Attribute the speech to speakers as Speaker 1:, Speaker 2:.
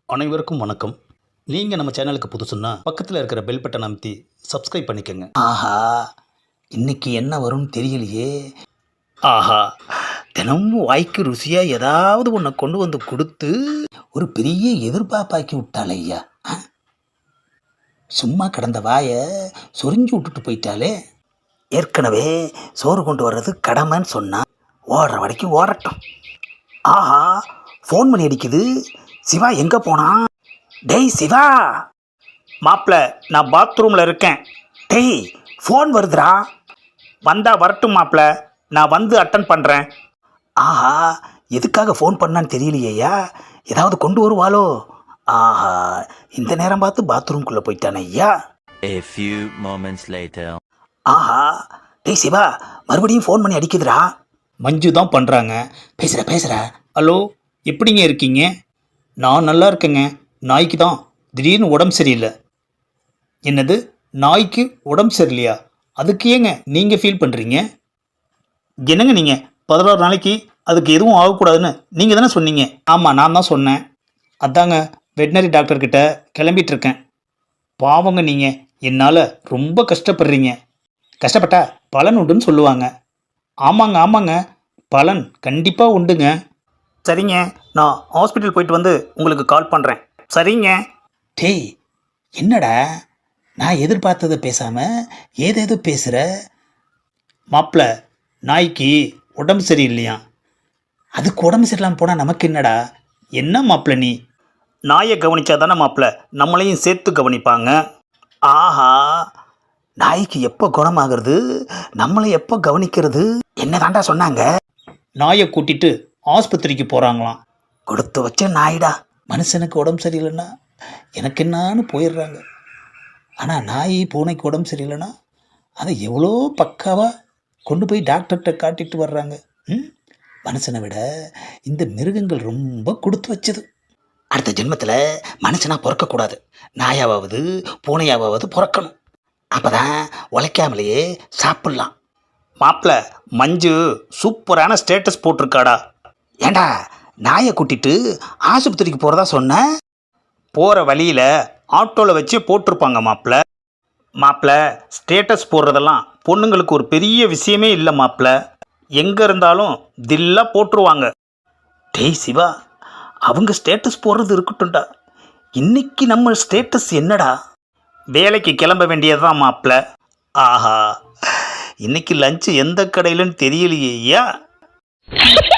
Speaker 1: அனைவருக்கும் வணக்கம். நீங்கள் நம்ம சேனலுக்கு புதுசுன்னா பக்கத்தில் இருக்கிற பெல் பட்டன் அமைத்தி சப்ஸ்கிரைப் பண்ணிக்கோங்க.
Speaker 2: ஆஹா, இன்னைக்கு என்ன வரும்னு தெரியலையே.
Speaker 1: ஆஹா,
Speaker 2: தினமும் வாய்க்கு ருசியாக ஏதாவது ஒன்றை கொண்டு வந்து கொடுத்து ஒரு பெரிய எதிர்பார்ப்பாக்கி விட்டாளே ஐயா. சும்மா கிடந்த வாயை சொரிஞ்சு விட்டுட்டு போயிட்டாலே. ஏற்கனவே சோறு கொண்டு வர்றது கடமைன்னு சொன்னா ஓடுற வரைக்கும் ஓடட்டும். ஆஹா, ஃபோன் பண்ணி அடிக்குது. சிவா எங்கே போனான்? டேய் சிவா.
Speaker 1: மாப்பிள்ள, நான் பாத்ரூமில் இருக்கேன்.
Speaker 2: டேய், ஃபோன் வருதுடா.
Speaker 1: வந்தா வரட்டும் மாப்பிள்ள, நான் வந்து அட்டன் பண்ணுறேன்.
Speaker 2: ஆஹா, எதுக்காக ஃபோன் பண்ணான்னு தெரியலையா. ஏதாவது கொண்டு வருவாளோ. ஆஹா, இந்த நேரம் பார்த்து பாத்ரூம்குள்ளே போயிட்டானே ஐயா.
Speaker 3: A few moments later.
Speaker 2: ஆஹா, டேய் சிவா, மறுபடியும் ஃபோன் பண்ணி அடிக்குதுடா.
Speaker 1: மஞ்சு தான் பண்ணுறாங்க.
Speaker 2: பேசுகிற.
Speaker 1: ஹலோ, எப்படிங்க இருக்கீங்க? நான் நல்லா இருக்கேங்க. நாய்க்கு தான் திடீர்னு உடம்பு சரியில்லை. என்னது, நாய்க்கு உடம்பு சரியில்லையா? அதுக்கு ஏங்க நீங்கள் ஃபீல் பண்ணுறீங்க? என்னங்க நீங்கள் 16 நாளைக்கு அதுக்கு எதுவும் ஆகக்கூடாதுன்னு நீங்கள் தானே சொன்னீங்க. ஆமாம், நான் தான் சொன்னேன். அதாங்க வெட்டினரி டாக்டர்கிட்ட கிளம்பிகிட்ருக்கேன். பாவங்க நீங்கள், என்னால் ரொம்ப கஷ்டப்படுறீங்க. கஷ்டப்பட்டா பலன் உண்டுன்னு சொல்லுவாங்க. ஆமாங்க, பலன் கண்டிப்பாக உண்டுங்க. சரிங்க, நான் ஹாஸ்பிட்டல் போயிட்டு வந்து உங்களுக்கு கால் பண்ணுறேன். சரிங்க.
Speaker 2: டேய், என்னடா நான் எதிர்பார்த்ததை பேசாமல் ஏதேதோ பேசுகிற.
Speaker 1: மாப்பிள்ள, நாய்க்கு உடம்பு சரியில்லையா?
Speaker 2: அதுக்கு உடம்பு சரியில்லாமல் போனால் நமக்கு என்னடா.
Speaker 1: என்ன மாப்பிள்ள நீ? நாயை கவனிச்சா தானே மாப்பிள்ள நம்மளையும் சேர்த்து கவனிப்பாங்க.
Speaker 2: ஆஹா, நாய்க்கு எப்போ குணமாகிறது, நம்மளை எப்போ கவனிக்கிறது? என்ன தாண்டா சொன்னாங்க?
Speaker 1: நாயை கூட்டிட்டு ஆஸ்பத்திரிக்கு போகிறாங்களாம்.
Speaker 2: கொடுத்து வச்ச நாய்டா. மனுஷனுக்கு உடம்பு சரியில்லைன்னா எனக்கு என்னான்னு போயிடுறாங்க. ஆனால் நாய் பூனைக்கு உடம்பு சரியில்லைன்னா அதை எவ்வளோ பக்காவாக கொண்டு போய் டாக்டர்கிட்ட காட்டிட்டு வர்றாங்க. மனுஷனை விட இந்த மிருகங்கள் ரொம்ப கொடுத்து வச்சது. அடுத்த ஜென்மத்தில் மனுஷனாக பிறக்கக்கூடாது, நாயாவது பூனையாவது பிறக்கணும். அப்போ தான் உழைக்காமலேயே சாப்பிட்லாம்.
Speaker 1: மாப்பிள்ள, மஞ்சு சூப்பரான ஸ்டேட்டஸ் போட்டிருக்காடா.
Speaker 2: ஏண்டா, நாயை கூட்டிட்டு ஆஸ்பத்திரிக்கு போகிறதா சொன்ன?
Speaker 1: போகிற வழியில் ஆட்டோவில் வச்சு போட்டிருப்பாங்க மாப்பிள்ள. ஸ்டேட்டஸ் போடுறதெல்லாம் பொண்ணுங்களுக்கு ஒரு பெரிய விஷயமே இல்லை மாப்பிள்ள. எங்கே இருந்தாலும் தில்லாக போட்டுருவாங்க.
Speaker 2: டேய் சிவா, அவங்க ஸ்டேட்டஸ் போடுறது இருக்கட்டும்டா. இன்னைக்கு நம்ம ஸ்டேட்டஸ் என்னடா?
Speaker 1: வேலைக்கு கிளம்ப வேண்டியதுதான் மாப்பிள்ள. ஆஹா, இன்னைக்கு லஞ்சு எந்த கடையிலன்னு தெரியலையே ஐயா.